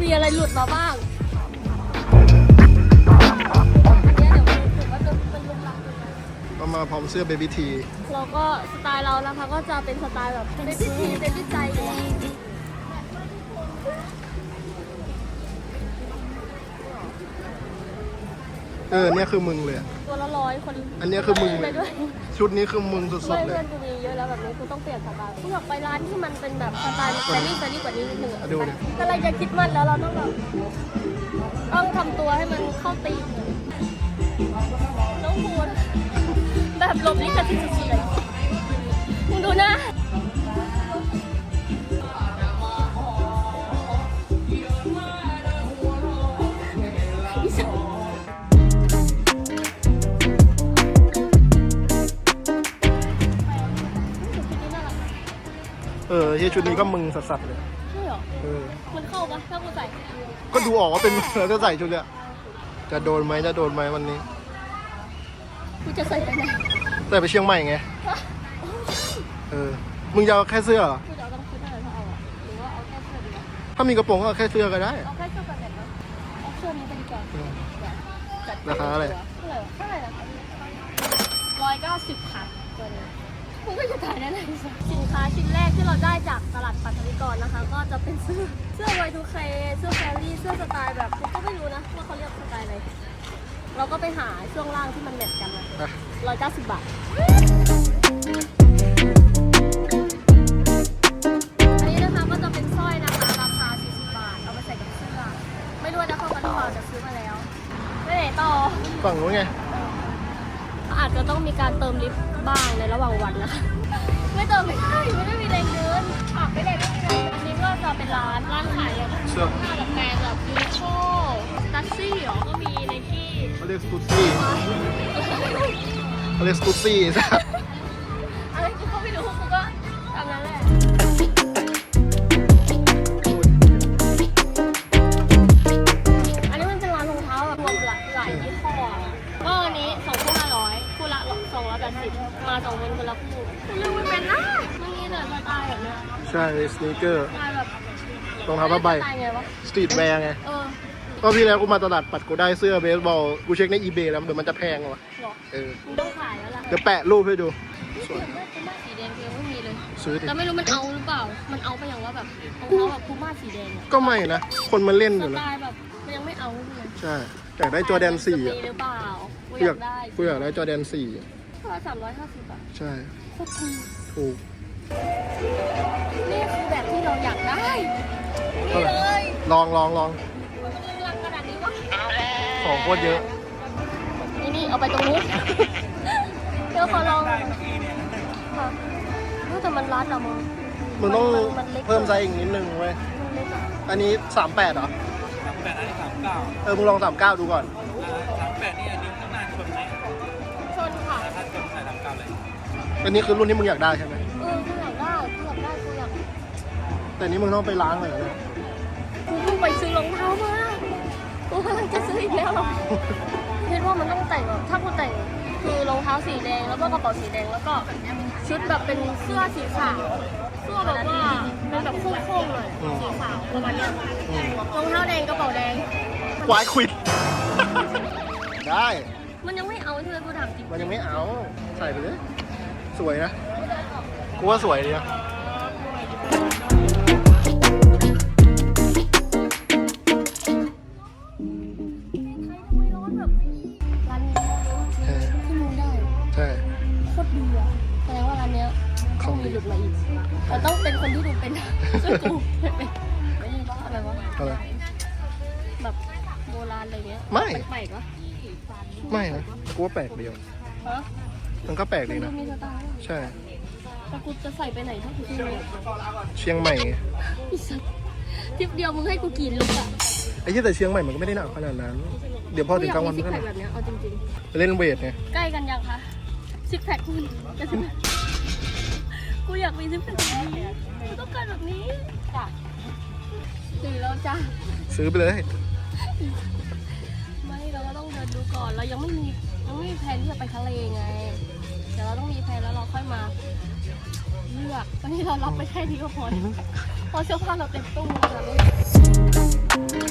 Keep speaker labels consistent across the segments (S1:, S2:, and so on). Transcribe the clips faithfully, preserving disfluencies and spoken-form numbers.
S1: มีอะไรหลุดมาบ้าง
S2: ก็มาพร้อมเสื้อเบบี้ที
S1: เราก็สไตล์เรานะคะก็จะเป็นสไตล์แบบเบบี้ทีเบบี้ใจ
S2: เออเนี่ยคือมึงเลย
S1: ตัวละร้อยคน
S2: อันนี้คือมึงเลยชุดนี้คือมึงสุดๆเลย
S1: เพื่อนกูมีเยอะแล้วแบบนี้กูต้องเปลี่ยนสไตล์กูอยากไปร้านที่มันเป็นแบบสไตล์แฟรี่แฟรี่กว่านี้นิดนึงอะแต่อะไรจะคิดมันแล้วเราต้องแบบต้องทำตัวให้มันเข้าตีมน้องพูนแบบหลบลิขสิทธิ์สุดๆเลยมึงดูนะ
S2: เออที่ชุดนี้ก็มึงสัสๆเลย
S1: ใช่หรอ
S2: เออ
S1: มันเข้าปะถ้ากูใส่
S2: ก็ดูออกว่าเป็นแล้วจะใส่ชุดเนี้ยจะโดนไหมจะโดนไหมวันนี้
S1: กูจะใส่ไปไหน
S2: ใส่ไปเชียงใหม่ไงเออมึงจะเอาแค่เสื้อเหรอ
S1: กูจะเอาต้องชุดอะไรถ้าเอาอะหรือว่าเอาแค่เสื้อดี
S2: ถ้ามีกระโปรงก็เอาแค่เสื้อก็ได้
S1: เอาแค่เสื้อกันแดดนะเอาเสื้อนี้ไปดีกว่า
S2: ราคาอะไร
S1: เท่าไหร่ล่ะร้อยเก้าสิบค่ะตัวนี้มึงก็จะถ่ายได้เลยสินค้าชิ้นแรกที่เราได้จากตลาดปัทวิกรนะคะก็จะเป็นเสื้อเสื้อ วาย ทู เค เสื้อแฟรี่เสื้อสไตล์แบบกูก็ไม่รู้นะว่าเขาเรียกสไตล์อะไรเราก็ไปหาช่วงล่างที่มันแมทกันนะร้อยเก้าสิบบาทอันนี้นะคะก็จะเป็นสร้อยนะคะราคาสี่สิบบาทเอาไปใส่กับเสื้อไม่รู้นะเขากันหรือเปล่าจะซื้อมาแล้วไปไหนต่อ
S2: ฝั่งนู้นไง
S1: อาจจะต้องมีการเติมลิฟต์บ้างในระหว่างวันนะคะไม่เติมไม่ได้ไม่ได้มีแรงเดินขับไม่ได้ไม่มีแรงอันนี้ก็จะเป็นร้านร้านขายแบบเสื้อผ้าแบบแบรนด์แบบยูนิโคตัซซี่หรอก็มีในที่
S2: เขาเรียกสกูซี่เขาเรียกสกูซี่ใช่
S1: อะไรกูก็ไม่รู้กูก็ทำนั้นแหละอันนี้มันเป็นร้านรองเท้าแบบรวมหลายหลายยี่ห้อก็อันนี้สองคู่ห้าร้อยคู่ละสองร้อยแปดสิบมาสองคนคนละคู่เรื่องมันเป็นนะมันมีแต่สไตล์แบบเนี้ย
S2: ใช่สนีกเกอร์
S1: แบบ
S2: รองเท้าผ้าใบสตรีทแวร์ไงก็พี่แล้วกูมาตลาดปัดกูได้เสื้อเบสบอลกูเช็คในอีเบย์แล้วเดี๋ยวมันจะแพงวะเออ
S1: ต้องขายแล้วล่ะ
S2: เดี๋ยวแปะรูปให้ดู
S1: สวยมากคูม่าสีแดงเพียงไม่มีเลย
S2: ซื้อดิ
S1: แต่ไม่รู้มันเอาหรือเปล่ามันเอาไปอย่างว่าแบบรองเท้าแบบคูม่าสีแดง
S2: ก็ไม่นะคนมันเล่นอยู่
S1: นะ
S2: ส
S1: ไตล์แบบมันยังไม่เอาเลย
S2: ใช่อยากได้จอร์แดนสี่อ่ะ
S1: หรือเปล่า
S2: กูอยากได้กูอยากได้จอร์แดนสี่
S1: ก็สามร้อยห้าสิบอ่ะ
S2: ใช่
S1: โคตรถูก
S2: ถูก
S1: นี่คือแบบที่เราอยากได้นี่เลย
S2: ลองลองลอง
S1: รังขนาดนี้วะ
S2: ของโคตรเยอะ
S1: นี่นี่เอาไปตรงนู้นเดี๋ยวขอลองค่ะแต่มันรัดอะมึง
S2: มึงต้องเพิ่มไซส์อีกนิดนึงเว้ยอันนี้สามแปดเหรอ
S3: สามแปดอันนี้สามเก้า
S2: เออมึงลองสามเก้าดูก่อน
S3: สามแปดนี่อันนี้ข้างหน้าชนไหน
S1: ชนค่ะ
S3: ถ้าชนใส่สามเก้าเลย
S2: อันนี้คือรุ่นที่มึงอยากได้ใช่ไหม
S1: เออกูอยากได้กูอยากได้กูอยาก
S2: แต่นี้มึงต้องไปล้างเลยนะ
S1: กูเพิ่งไปซื้อรองเท้ามากูกำลังจะซื้ออีกแล้วหรอคิดว่ามันต้องแต่งแบบถ้ากูแต่งคือรองเท้าสีแดงแล้วก็กระเป๋าสีแดงแล้วก็ชุดแบบเป็นเสื้อสีขาวเสื้อแบบว่าเป็นแบบโค้งๆเลยสีขาวประมาณนี้รองเท้าแดงกระเป๋าแดง
S2: ควายควิดได้
S1: มันยังไม่เอาใช่ไหมกูถามจริง
S2: มันยังไม่เอาใส่ไปเลยสวยนะกูว่าสวยดีนะใช่
S1: โคตรดีอ่ะแสดงว่าร้านเนี้ยต้องมีหลุดมาอีกแต่ต้องเป็นคนที่ดูเป็นซึ่งกูไม่เป็นไม่มีว่าอะไรวะ
S2: อะไร
S1: แบบโบราณอะไรเงี้ย
S2: ไม่
S1: แปลกวะ
S2: ไม่นะกูว่าแปลกเดียวมันก็แปลกดีนะใช่
S1: แต่กูจะใส่ไปไหนถ้ากูซื้อ
S2: เชียงใหม่
S1: ทริปเดียวมึงให้กูกินลูกอะ
S2: ไอ้ที่แต่เชียงใหม่มันก็ไม่ได้หนักขนาดนั้นเดี๋ยวพอถึงกลางวัน
S1: ก็หนักแบบนี้เอาจริง
S2: ๆเล่นเวทไง
S1: ใกล้กันยังคะซิกแพคคุณจะซิกแพคกูอยากมีซิกแพคแบบนี้กูต้องการแบบนี้จ้ะซื้อแล้วจ้ะ
S2: ซื้อไปเลย
S1: ไม่เราก็ต้องเดินดูก่อนเรายังไม่มียังไม่มีแผนที่จะไปทะเลไงเดี๋ยวเราต้องมีแผนแล้วเราค่อยมาเลือกตอนนี้เรารับไปแค่นี้ก็พอเพราะเสื้อผ้าเราเต็มตู้แล้ว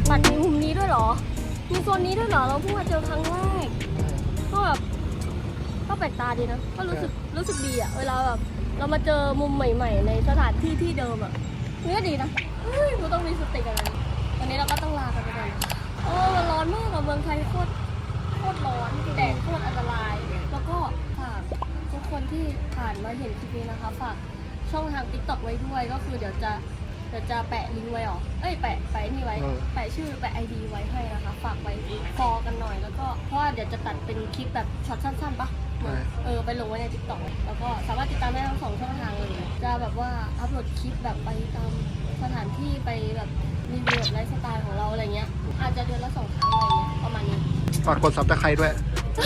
S1: ปัดมีมุมนี้ด้วยเหรอ มีโซนนี้ด้วยเหรอ เราเพิ่งมาเจอครั้งแรก ก็แบบก็แปลกตาดีนะ ก็รู้สึกรู้สึกดีอะเวลาแบบเรามาเจอมุมใหม่ๆ ในสถานที่ที่เดิมอะนี่ก็ดีนะเฮ้ยเราต้องมีสติกันเลยวันนี้เราก็ต้องลากันไปก่อนโอ้มันร้อนมากอะเมืองไทยโคตรโคตรร้อนแดดโคตรอันตราย แล้วก็ฝากทุกคนที่ผ่านมาเห็นคลิปนี้นะคะฝากช่องทาง ติ๊กต็อก ไว้ด้วยก็คือเดี๋ยวจะเดี๋ยวจะแปะลิงก์ไว้หรอเอ้ยแปะแปะนี่ไว้ แปะชื่อแปะไอดีไว้ให้นะคะ ฝากไว้ฟอกันหน่อยแล้วก็เพราะว่าเดี๋ยวจะตัดเป็นคลิปแบบช็อตสั้นๆปะเออไปลงไว้ใน ติ๊กต็อก แล้วก็สามารถติดตามได้ทั้งสองช่องทางเลยจะแบบว่าอัพโหลดคลิปแบบไปตามสถานที่ไปแบบรีวิวแบบไลฟ์สไตล์ของเราอะไรเงี้ยอาจจะเดือนละสองครั้งอะไรเงี้ยประมาณนี้
S2: ฝากกดซับสไครต์ด้วย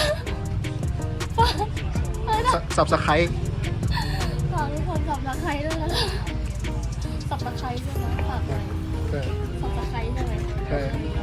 S2: ซับสไครต์
S1: ฝากทุกคนสับตะไคร้ด้วยนะสับตะไคร้ด้วยนะฝากหน่อย
S2: ใช่
S1: สับตะไคร้ใช่ไหม
S2: ใช่